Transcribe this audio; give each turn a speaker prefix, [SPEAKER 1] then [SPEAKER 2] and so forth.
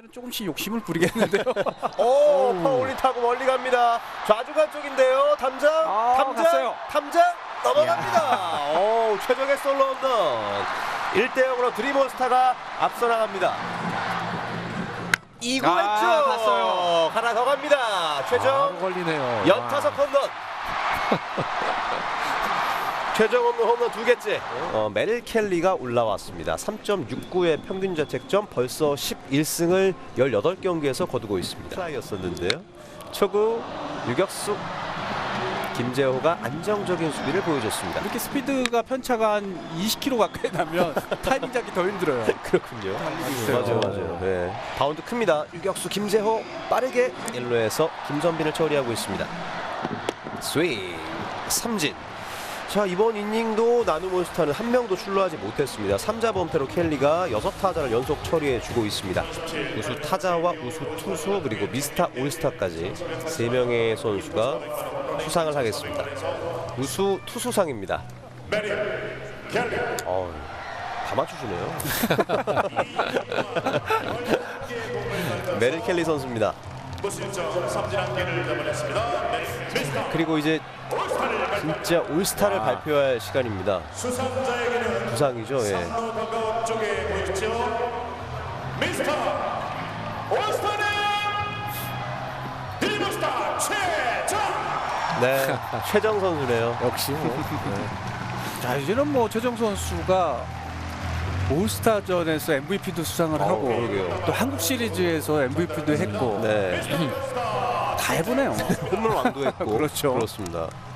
[SPEAKER 1] 이제는 조금씩 욕심을 부리겠는데요.
[SPEAKER 2] 오, 파울린 타고 멀리 갑니다. 좌중간 쪽인데요. 담장,
[SPEAKER 1] 갔어요.
[SPEAKER 2] 담장 넘어갑니다. 오, 최정의 솔로 홈런. 1대0으로 드림몬스타가 앞서 나갑니다. 2구 왼쪽
[SPEAKER 1] 갔어요.
[SPEAKER 2] 하나 더 갑니다. 최정
[SPEAKER 1] 걸리네요.
[SPEAKER 2] 연타석 홈런. 최정 홈런 두 개째. 메릴 켈리가 올라왔습니다. 3.69의 평균 자책점, 벌써 11승을 18경기에서 거두고 있습니다. 트라이였었는데요. 초구 유격수 김재호가 안정적인 수비를 보여줬습니다.
[SPEAKER 1] 이렇게 스피드가 편차가 한 20km 가까이 나면 타이밍 잡기 더 힘들어요.
[SPEAKER 2] 그렇군요.
[SPEAKER 1] 있어요.
[SPEAKER 2] 맞아요. 네. 바운드 큽니다. 유격수 김재호 빠르게 1루에서 김선빈을 처리하고 있습니다. 스윙 삼진. 자, 이번 이닝도 나누몬스타는 한 명도 출루하지 못했습니다. 3자 범퇴로 켈리가 6타자를 연속 처리해주고 있습니다. 우수 타자와 우수 투수 그리고 미스터 올스타까지 3명의 선수가 수상을 하겠습니다. 우수 투수상입니다. 다 맞추시네요. 메릴 켈리 선수입니다. 그리고 이제 진짜 올스타를 발표할 시간입니다. 부상이죠. 예. 네, 최정 선수네요.
[SPEAKER 1] 역시 자, 이제는 뭐 최정 선수가 올스타전에서 MVP도 수상을 하고
[SPEAKER 2] 그러게요.
[SPEAKER 1] 또 한국 시리즈에서 MVP도 했고
[SPEAKER 2] 네,
[SPEAKER 1] 다 해보네요.
[SPEAKER 2] 홈런 왕도 했고.
[SPEAKER 1] 그렇죠.
[SPEAKER 2] 그렇습니다.